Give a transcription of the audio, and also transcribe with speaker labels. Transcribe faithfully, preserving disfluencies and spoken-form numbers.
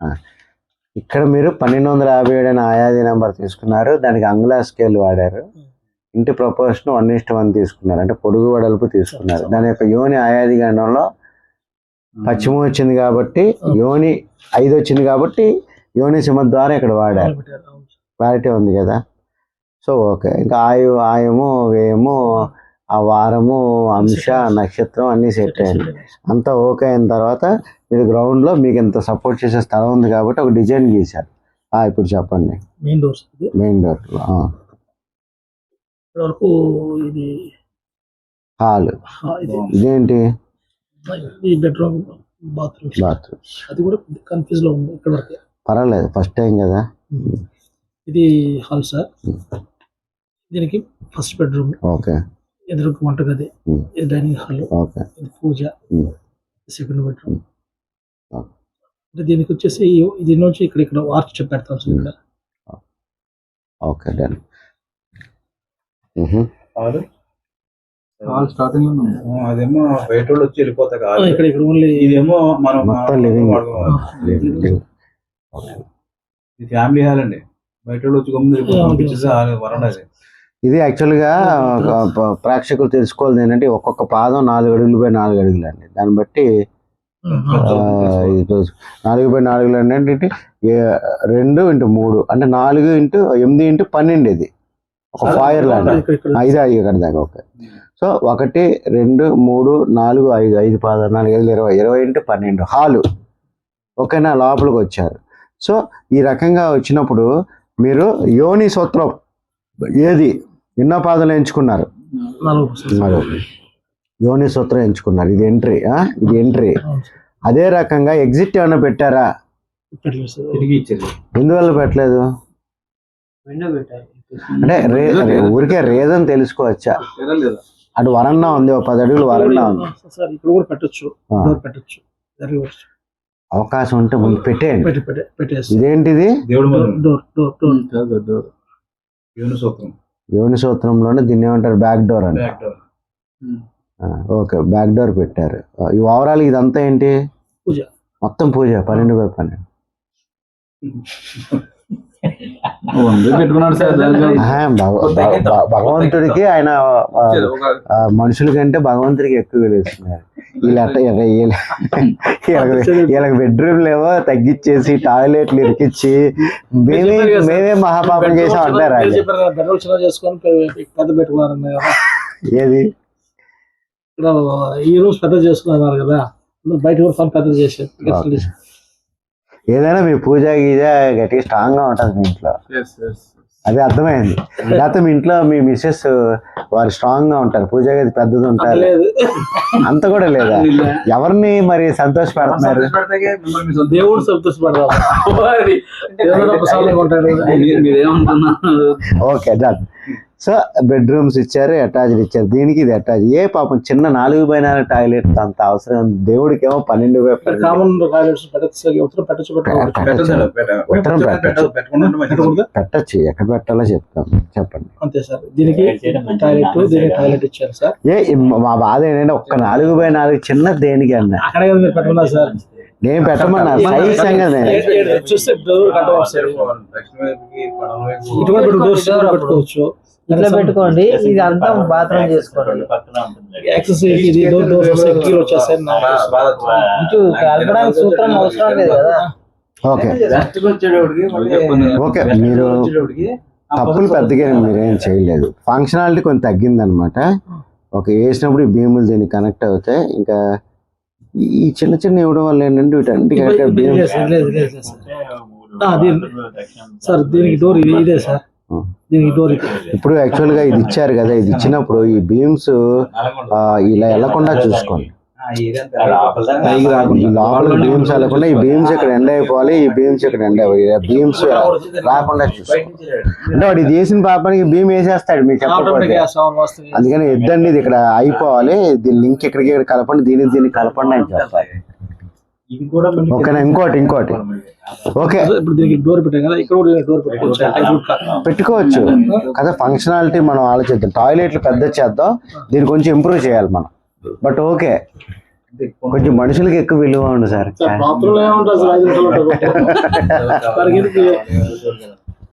Speaker 1: ఇక్కడ మీరు పన్నెండు వందల యాభై ఏడు అనే ఆయాది నెంబర్ తీసుకున్నారు, దానికి అంగుళార్ స్కేల్ వాడారు, ఇంటి ప్రపోర్షన్ వన్ ఇస్ట్ వన్ తీసుకున్నారు, అంటే పొడుగు వెడల్పు తీసుకున్నారు. దాని యొక్క యోని ఆయాది గండంలో పశ్చిమ వచ్చింది కాబట్టి యోని ఐదు వచ్చింది కాబట్టి యోని సింహద్వారం ఇక్కడ వాడారు. క్లారిటీ ఉంది కదా? So okay. ఇంకా ఆయు ఆయము వ్యయము ఆ వారము అంశ నక్షత్రం అన్నీ సెట్ అయ్యింది. అంతా ఓకే అయిన తర్వాత మీరు గ్రౌండ్లో మీకు ఇంత సపోర్ట్ చేసే స్థలం ఉంది కాబట్టి ఒక డిజైన్ గీశారు. ఇప్పుడు చెప్పండి.
Speaker 2: మెయిన్ డోర్
Speaker 1: మెయిన్ డోర్
Speaker 2: వరకు ఇది
Speaker 1: హాల్, ఇదేంటి
Speaker 2: బెడ్రూమ్ బాత్రూమ్
Speaker 1: బాత్రూమ్.
Speaker 2: అది కూడా కన్ఫ్యూజ్ లో ఉంది ఇక్కడ వరకు.
Speaker 1: పర్వాలేదు, ఫస్ట్ టైం కదా.
Speaker 2: ఇది హాల్ సార్, దీనికి ఫస్ట్ బెడ్రూమ్, ఓకే, ఎదురు వంటగది, ఇది డైనింగ్ హాల్, ఓకే, ఇది పూజ, సెకండ్ బెడ్రూమ్. అంటే దీనికి వచ్చేసి ఇది నుంచి ఇక్కడ ఇక్కడ ఆర్చ్ పెడతాం సార్ ఇక్కడ.
Speaker 1: Okay done.
Speaker 3: హాల్ స్టార్టింగ్ లో అదేమో బయట వాళ్ళు వచ్చి వెళ్ళిపోతాయి కాదు,
Speaker 2: ఇక్కడ ఇక్కడ ఓన్లీ
Speaker 3: ఇదేమో మనం
Speaker 1: మొత్తం లివింగ్.
Speaker 3: ఇది ఫ్యామిలీ హాల్ అండి, బయట వాళ్ళు వచ్చి గమ్మున వరండా.
Speaker 1: ఇది యాక్చువల్గా ప్రేక్షకులు తెలుసుకోవాలి ఏంటంటే ఒక్కొక్క పాదం నాలుగు అడుగులు బై నాలుగు అడుగులు అండి. దాన్ని బట్టి నాలుగు బై నాలుగులు అంటే రెండు ఇంటూ మూడు అంటే నాలుగు ఇంటూ ఎనిమిది ఇంటూ పన్నెండు. ఇది ఒక ఫైర్ ల్యాండ్, ఐదు ఐదు ఇక్కడ దాకా. ఓకే. సో ఒకటి రెండు మూడు నాలుగు ఐదు ఐదు పాదాలు నాలుగు ఐదు ఇరవై ఇరవై ఇంటూ పన్నెండు హాలు. ఓకేనా? లోపలికి వచ్చారు. సో ఈ రకంగా వచ్చినప్పుడు మీరు యోని సూత్రం ఏది ఎన్నో పాదాలు ఎంచుకున్నారు? యోని సూత్రం ఎంచుకున్నారు. ఇది ఎంట్రీ, ఇది ఎంట్రీ. అదే రకంగా ఎగ్జిట్ ఏమైనా పెట్టారా? ఎందువల్ల పెట్టలేదు అంటే ఊరికే రీజన్ తెలుసుకోవచ్చా? అటు వరండా ఉంది, ఒక పది అడుగులు వరండా ఉంది, అవకాశం ఉంటే ముందు పెట్టేయండి. ఇదేంటిది? యోని సూత్రంలోనే దీన్ని ఏమంటారు? బ్యాక్ డోర్ అంట. ఓకే, బ్యాక్ డోర్ పెట్టారు. ఈ ఓవరాల్ ఇదంతా ఏంటి?
Speaker 2: పూజ, మొత్తం
Speaker 1: పూజ. పన్నెండు బై పన్నెండు భగవంతుడికి ఆయన మనుషుల కంటే భగవంతుడికి ఎక్కువ తెలుస్తున్నారు. వీళ్ళ వీళ్ళకి బెడ్రూమ్ లేవో తగ్గించేసి టాయిలెట్లు ఇరికిచ్చి మేమే మేమే మహాపాపం చేసాం అంటారు. ఏది
Speaker 2: ఈ రోజు పెద్ద చేసుకున్నారు కదా, బయట కూడా పెద్ద చేశారు.
Speaker 1: ఏదైనా మీ పూజ గీజ గట్టిగా స్ట్రాంగ్ గా ఉంటుంది మీ ఇంట్లో, అదే అర్థమైంది. లేకపోతే మీ ఇంట్లో మీ మిస్సెస్ వారు స్ట్రాంగ్ గా ఉంటారు, పూజ గది పెద్దది ఉంటారు, అంత కూడా లేదా? ఎవరిని మరి సంతోష పెడుతున్నారు?
Speaker 2: దేవుడు సంతోషపడతారు.
Speaker 1: Okay done. సో బెడ్రూమ్స్ ఇచ్చారు, అటాచ్డ్ ఇచ్చారు. దీనికి ఇది అటాచ్. ఏ పాపం చిన్న నాలుగు బై నాలుగు టాయిలెట్ అంత అవసరం? దేవుడికి ఏమో పన్నెండు బై పన్నెండు పెట్టచ్చు. ఎక్కడ పెట్టాలో చెప్తాం, చెప్పండి.
Speaker 2: అంతే సార్. దీనికి టాయిలెట్, దీనికి టాయిలెట్ ఇచ్చారు సార్.
Speaker 1: ఏ మా బాధ ఏంటంటే ఒక్క నాలుగు బై నాలుగు చిన్న దేనికి అన్న
Speaker 2: అక్కడ మీరు పెట్టుకున్నారు సార్.
Speaker 1: నేను పెట్టమన్నా సైజ్ సంగతి
Speaker 2: చూస్తే పెట్టుకోవచ్చు,
Speaker 4: ఇట్లా పెట్టుకోండి. ఇది అంతా బాత్రూమ్ చేసుకోండి. కలపడానికి సూత్రం అవసరం లేదు కదా.
Speaker 1: Okay okay. మీరు తప్పులు పెద్దగా మీరేం చేయలేదు. ఫంక్షనాలిటీ కొంచెం తగ్గింది అనమాట. ఓకే, వేసినప్పుడు ఈ భీములు దీనికి కనెక్ట్ అవుతాయి. ఇంకా ఈ చిన్న చిన్న ఇవ్వడం వల్ల ఏంటంటే వీటన్నిటికీ
Speaker 2: సార్ దీనికి డోర్ ఇదే సార్.
Speaker 1: ఇప్పుడు యాక్చువల్ గా ఇది ఇచ్చారు కదా, ఇది ఇచ్చినప్పుడు ఈ బీమ్స్ ఇలా వెళ్ళకుండా చూసుకోండి. లోపల బీమ్స్ వెళ్ళకుండా ఈ బీమ్స్ ఇక్కడ ఎండ్ అయిపోవాలి, ఈ బీమ్స్ ఇక్కడ ఎండ్ అయిపోయి బీమ్స్ రాకుండా చూసుకోండి. అంటే వాడు ఇది వేసిన పాపానికి భీమ్ వేసేస్తాడు మీకు చెప్పకపోతే. అందుకని ఎద్దండి ఇది ఇక్కడ అయిపోవాలి, దీని లింక్ ఇక్కడికి ఇక్కడ కలపండి, దీనికి దీనికి కలపండి అని చెప్పాలి. ఓకేనా? ఇంకోటి ఇంకోటి ఓకే పెట్టుకోవచ్చు కదా. ఫంక్షనాలిటీ మనం ఆలోచిద్దాం. టాయిలెట్లు పెద్ద చేద్దాం, దీన్ని కొంచెం ఇంప్రూవ్ చేయాలి మనం. బట్ ఓకే, కొంచెం మనుషులకి ఎక్కువ విలువ ఉంది సార్
Speaker 2: బాత్రూమ్ ఏముంటుంది సార్ ఐదు నిమిషాలు ఉంటుంది.